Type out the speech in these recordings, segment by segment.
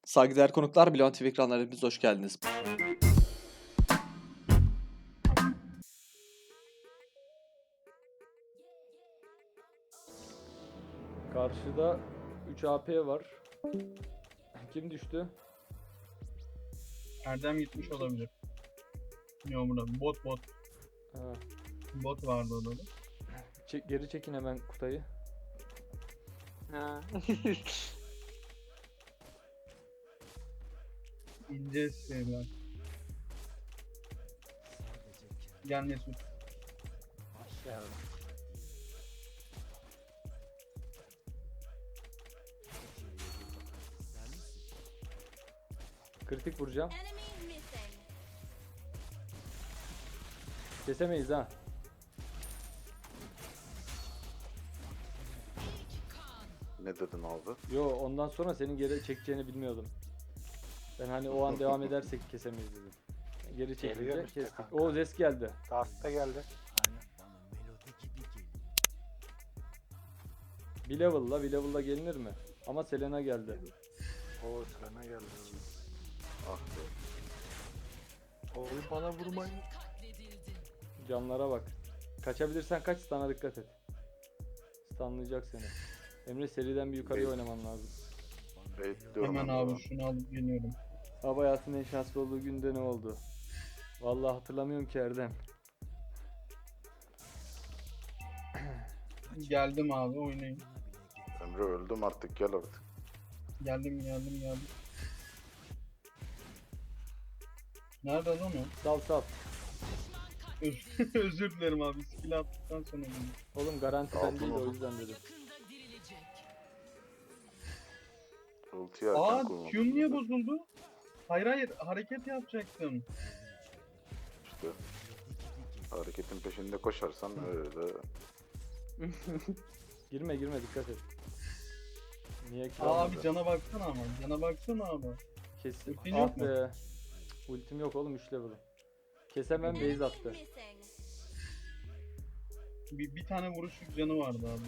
Saygıdeğer konuklar, Bilon TV ekranlarına hepiniz hoş geldiniz. Karşıda 3 AP var. Kim düştü? Erdem gitmiş olabilir. Yağmur'a. Bot. Ha. Bot vardı orada. Geri çekin hemen Kutay'ı. Ha. İnce şeyler. Gel Mesut. Başlayalım. Kritik vuracağım. Enemy missing. Kesemeyiz ha. Ne dedin abi? Yo, ondan sonra senin geri çekeceğini bilmiyordum. Ben hani o an devam edersek kesemeyiz dedim. Geri çekince Geliyor işte kestik. kanka. O Zes geldi. Dark'ta geldi. Aynen. Bir level'la gelinir mi? Ama Selena geldi. O sırana geldi. Ah be. Oğlum bana vurmayın. Canlara bak. Kaçabilirsen kaç, stun'a dikkat et. Stunlayacak seni. Emre, seriden bir yukarıya oynaman lazım. Bekliyorum Hemen onu. abi şunu alıp geliyorum. Abi, hayatının en şanslı olduğu günde ne oldu? Vallahi hatırlamıyorum ki Erdem. Geldim abi oynayın. Emre öldüm artık, gel artık. Geldim. Nerede lan o? Sal. Özür dilerim abi. Skill attıktan sonra dedim. Oğlum garantiden Aldın değil, o oğlum. yüzden dedim. Ultiyi erken Aa kullandım. Q'm niye bozuldu? Hayır hareket yapacaktım. İşte hareketin peşinde koşarsan öyle. Girme dikkat et. Niye ki? Abi cana baksana ama. Cana baksana abi. Kesin. ultin yok Ah mu? be. Ultim yok oğlum, 3 level'ım. Kesemem, base attı. Missing. Bir tane vuruşluk canı vardı abi.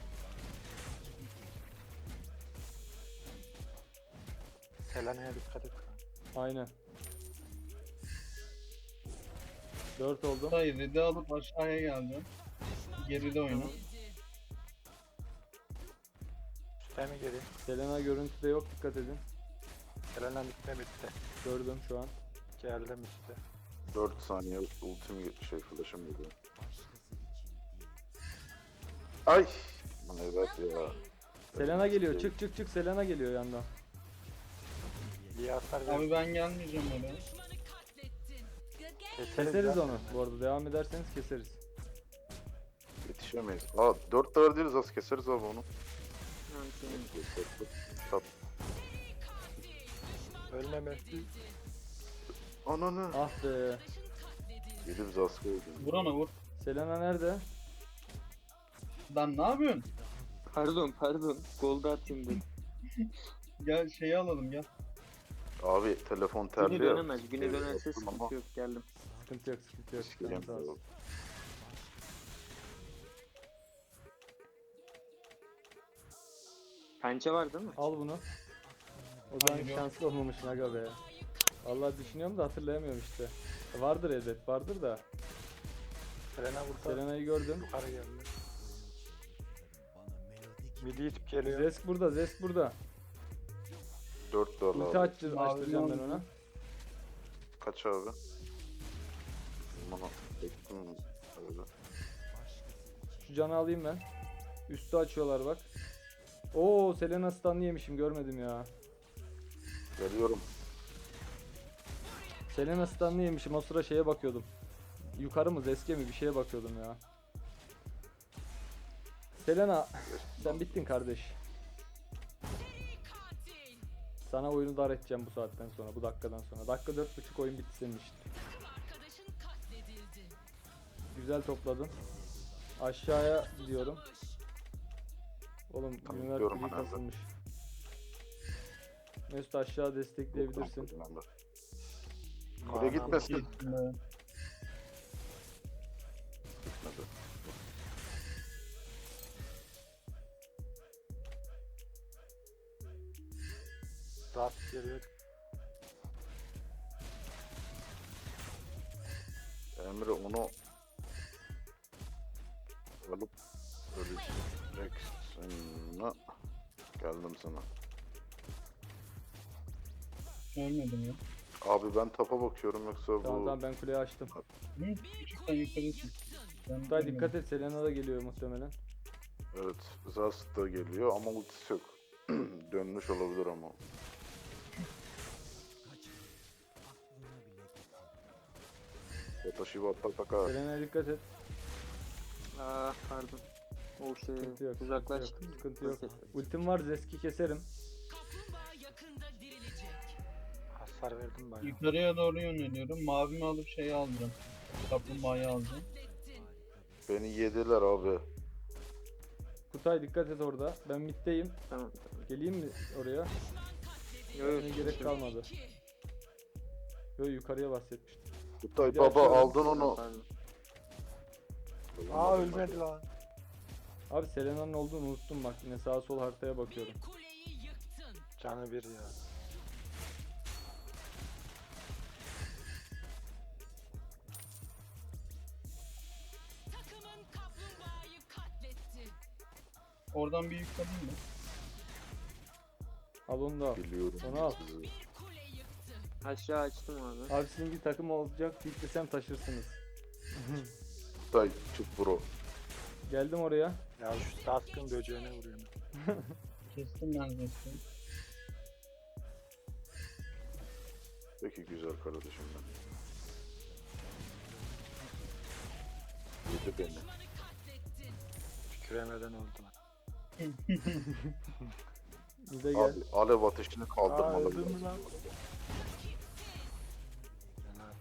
Selena'ya dikkat et. Aynen. 4 oldu. Hayır red'i alıp aşağıya geldi. Geride oyna. Üste mi geri? Selena görüntüde yok, dikkat edin. Selena bitme bitti. Gördüm şu an. Geldim işte. 4 saniye ultim flash'ım geliyor. Ay! Lan evet ya. Selena geliyor, çık Selena geliyor yandan. İyi hasar Abi ver. ben gelmeyeceğim oraya. Keseriz onu bu arada, devam ederseniz keseriz. Yetişemeyiz. Aa 4 tane değiliz, az keseriz abi onu. Tat. Ölmeme. Ananı. Ah be. Yedi biz az koyduk. Vur ona vur. Selena nerede? Lan ne yapıyorsun? Pardon. Golda atayım dedim. Gel şeyi alalım gel. Abi telefon Güne terli dönemez. Güne Evet, dönerse yaptım ama sıkıntı yok. Geldim. Sıkıntı yok. sikeceğim Canı sağ olsun. ya. Pençe var değil mi? Al bunu. O zaman Hayır, yok. şanslı olmamışsın aga be. Vallahi düşünüyorum da hatırlayamıyorum işte. Vardır elbet, vardır da. Selena vursa Selena'yı gördüm. yukarı geldi. Midi itip geliyor. Zesk burada. 4 dolar Ulti abi. açtıracağım ben ona. Kaç abi? Bana bekledim öyle. Şu canı alayım ben. Üstü açıyorlar bak. Oo, Selena stun'ı yemişim, görmedim ya. Geliyorum. Selena stun'ı yemişim, o sıra şeye bakıyordum. Yukarı mı, Zesk'e mi, bir şeye bakıyordum ya. Selena, sen bittin kardeş. Sana oyunu dar edeceğim bu saatten sonra, bu dakikadan sonra. Dakika 4.5 oyun bitti senin için. Güzel topladın. Aşağıya gidiyorum. Oğlum Tamam, Univer gidiyorum TV ben abi. kasılmış. Mesut, aşağı destekleyebilirsin. Kule gitmesin. Gittim. Gitmedi. Dark geliyor. Emre onu alıp öleceksin. Geldim sana. Ölmedim ya. Abi ben tapa bakıyorum yoksa Tamam bu tamam, ben kuleyi açtım. Hı? Küçükten yukarı çık. Ben Kutay ölmedim. dikkat et, Selena da geliyor muhtemelen. evet Zast da geliyor ama ultisi yok. Dönmüş olabilir ama. Watashi wa tataka. Selena'ya dikkat et. Aa pardon. O şey Sıkıntı yok. uzaklaştım. Sıkıntı yok. Nasıl? Ultim var, Zeski keserim. Hasar verdim bayağı. Yukarıya doğru yöneliyorum. Mavimi alıp şeyi alacağım. Kaplumbağayı alacağım. Beni yediler abi. Kutay dikkat et orada. Ben middeyim. Tamam. Geleyim mi oraya? Yok yok. Ne gerek kalmadı. Yo, yukarıya bahsetmiştim. Kutay Bir baba açıyorum. aldın onu. Pardon. Aa ölmedi lan. Abi Selena'nın olduğunu unuttum bak, yine sağa sol haritaya bakıyorum. Canı bir ya. Oradan bir yükledim mi? Al onu da al. Biliyorum Onu al. sizi. Aşağı açtım abi. Abi sizin bir takım olacak, yüklesem taşırsınız. Kutay çık bro. Geldim oraya. Ya şu taskın böceğine vuruyorum. Kestim neredeyse. Peki güzel kardeşim ben. Yedi beni. Kükremeden öldü lan. Bir de gel. Abi alev ateşini kaldırmalı. öldün mü biraz. lan? Fena.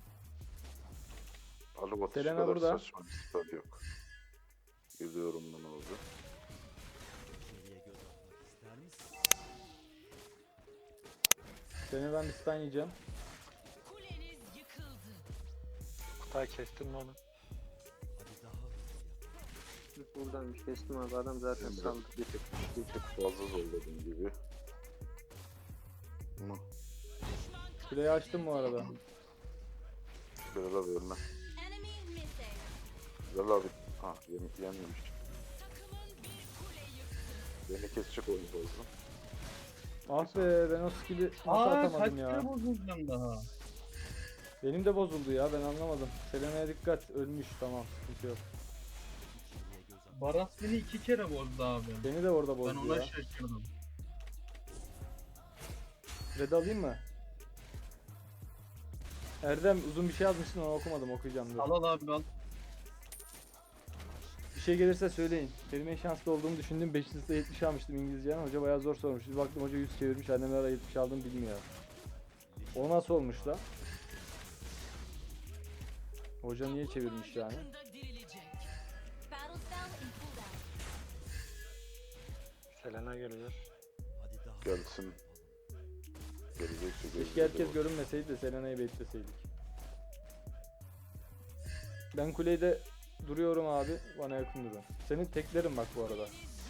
Alev ateşi Selena kadar burada. saçma bir spell yok. Gidiyorum bunu oldu. Seni ben bir stun yiyeceğim. Kutay kestin mi onu? Buradanmış. Kestim abi. Adam zaten Emre saldı. bir tık fazla zorladım gibi. Ama Kuleyi açtım bu arada. Bilal abi ölme. Bilal abi. Ha yenmemiş. Beni kesecek oyun fazla. Ah be, ben o skill'i nasıl Aa kaç atamadım ya. kere bozulacağım daha. Benim de bozuldu ya, ben anlamadım. Selena'ya dikkat, ölmüş, tamam, sıkıntı yok. Baras beni 2 kere bozdu abi. Beni de orada Ben bozdu ona ya. şaşırdım. Red alayım mı? Erdem uzun bir şey yazmışsın, onu okumadım, okuyacağım dur. Al al abi al. Bir şey gelirse söyleyin. Benim en şanslı olduğumu düşündüm. 5. sınıfta 70 almıştım İngilizceden. Hoca bayağı zor sormuş. Bir baktım hoca 100 çevirmiş. Annem ara 70 aldım bilmiyor. O nasıl olmuş da? Hoca niye çevirmiş yani? Selena geliyor. Gelsin. Gelecekse Keşke herkes görünmeseydi de Selena'yı bekleseydik. Ben kulede duruyorum abi. Bana yakın durun. Senin teklerin bak bu arada.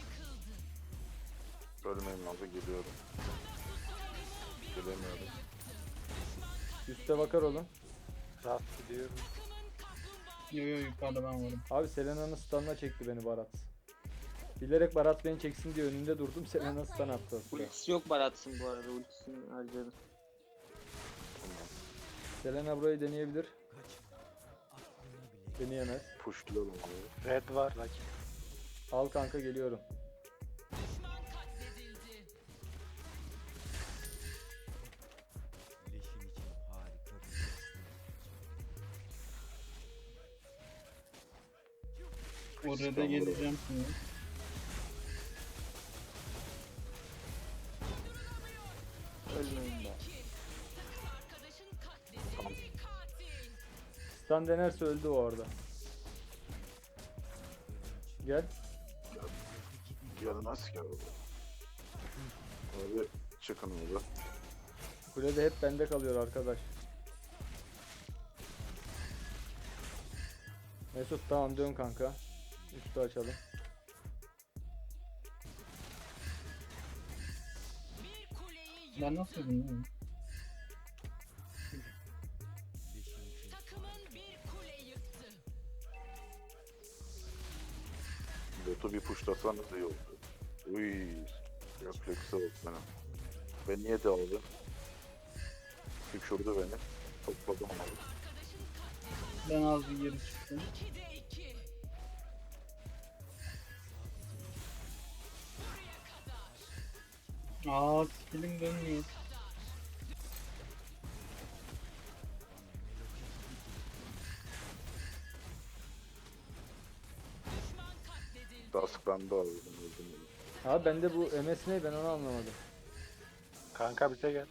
Ölmeyin abi geliyorum. Gelemiyorum. Üste bakar olun. Rast gidiyorum. Yo yo yukarıda ben varım. Abi Selena'nın stun'ına çekti beni Barat. Bilerek Barat beni çeksin diye önünde durdum. Selena stun attı aslında. Ultisi yok Baratsın bu arada. Ultisini harcadım. Tamam. Selena burayı deneyebilir. Deneyemez. Pushluyorum abi. Red var rakip. Al kanka, geliyorum. Oraya da geleceğim şimdi. Ölmeyin be. Stun denerse öldü o orada. Gel. Gelmez ki abi. Abi çıkın abi. Kulede hep bende kalıyor arkadaş. Mesut tamam, dön kanka. Üstü açalım. Ben nasıl yedim lan? Takımın bir kule yıktı. Botu bir puşlasanız iyi oldu. Uy, refleksi oldu benim. Ben niye de aldım? Düşürdü beni. Topladım onu. Ben az bir geri çıktım. 2'de 2. Buraya kadar. Skillim dönmüyor. Düşman katledildi. Dusk bende abi. Ben öldüm bunu. Abi bende bu MS ne, ben onu anlamadım. Kanka bize gel.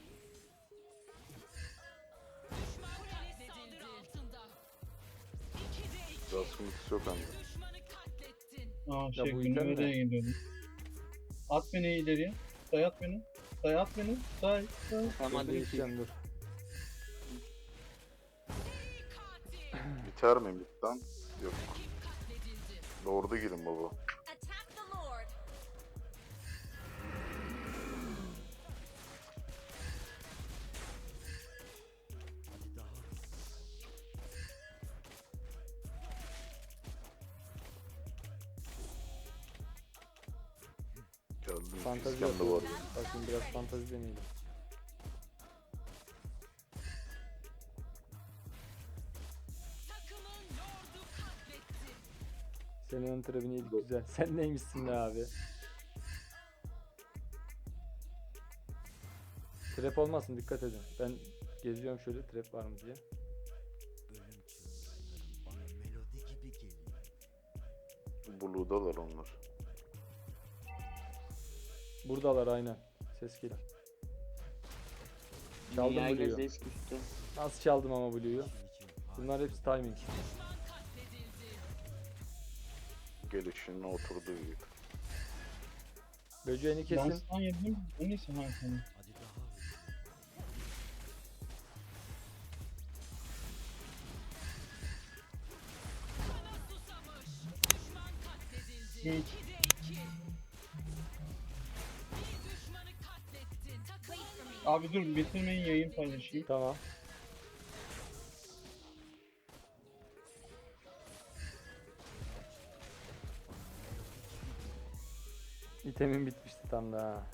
Düşman katledildi. Altında. 2'de 2. Dusk'ın ultisi yok bende. Düşmanı katlettin. bu item ne? Günümüz'e gidiyordum. At beni ileriye. Dayat beni. Dayat beni. Day. Tamam Ben hadi de bir gideceğim, dur. Katil. Biter mi midden? Yok. Katledildi. Lord'a girin baba. Attack the Lord. Geldim. Fantazi İskender var. yapıyorum. Bakın biraz fantazi deneyelim. Takımın lordu katletti. Senin ön tribini yedik güzel. Sen neymişsin be abi? Trap olmasın, dikkat edin. Ben geziyorum şöyle, trap var mı diye. Blue'dalar onlar. Buradalar aynen. Ses geliyor. Çaldım Dünya Blue'yu. gezde düştü. Nasıl çaldım ama Blue'yu? Bunlar hepsi timing. Düşman katledildi. Gelişine oturduğu gibi. Böceğini Ben kesin. sana yedim. O neyse ha tamam. Kana susamış. Düşman katledildi. Hı. 2'de 2. Bir düşmanı katlettin. Takımın Abi dur bitirmeyin yayın paylaşayım. Tamam. İtemin bitmişti tam da ha.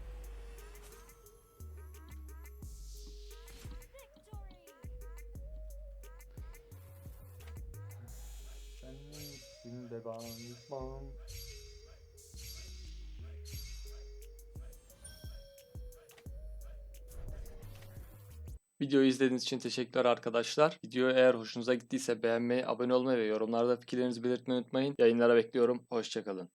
Sen neysin be bam. Videoyu izlediğiniz için teşekkürler arkadaşlar. Video eğer hoşunuza gittiyse beğenmeyi, abone olmayı ve yorumlarda fikirlerinizi belirtmeyi unutmayın. Yayınlara bekliyorum. Hoşçakalın.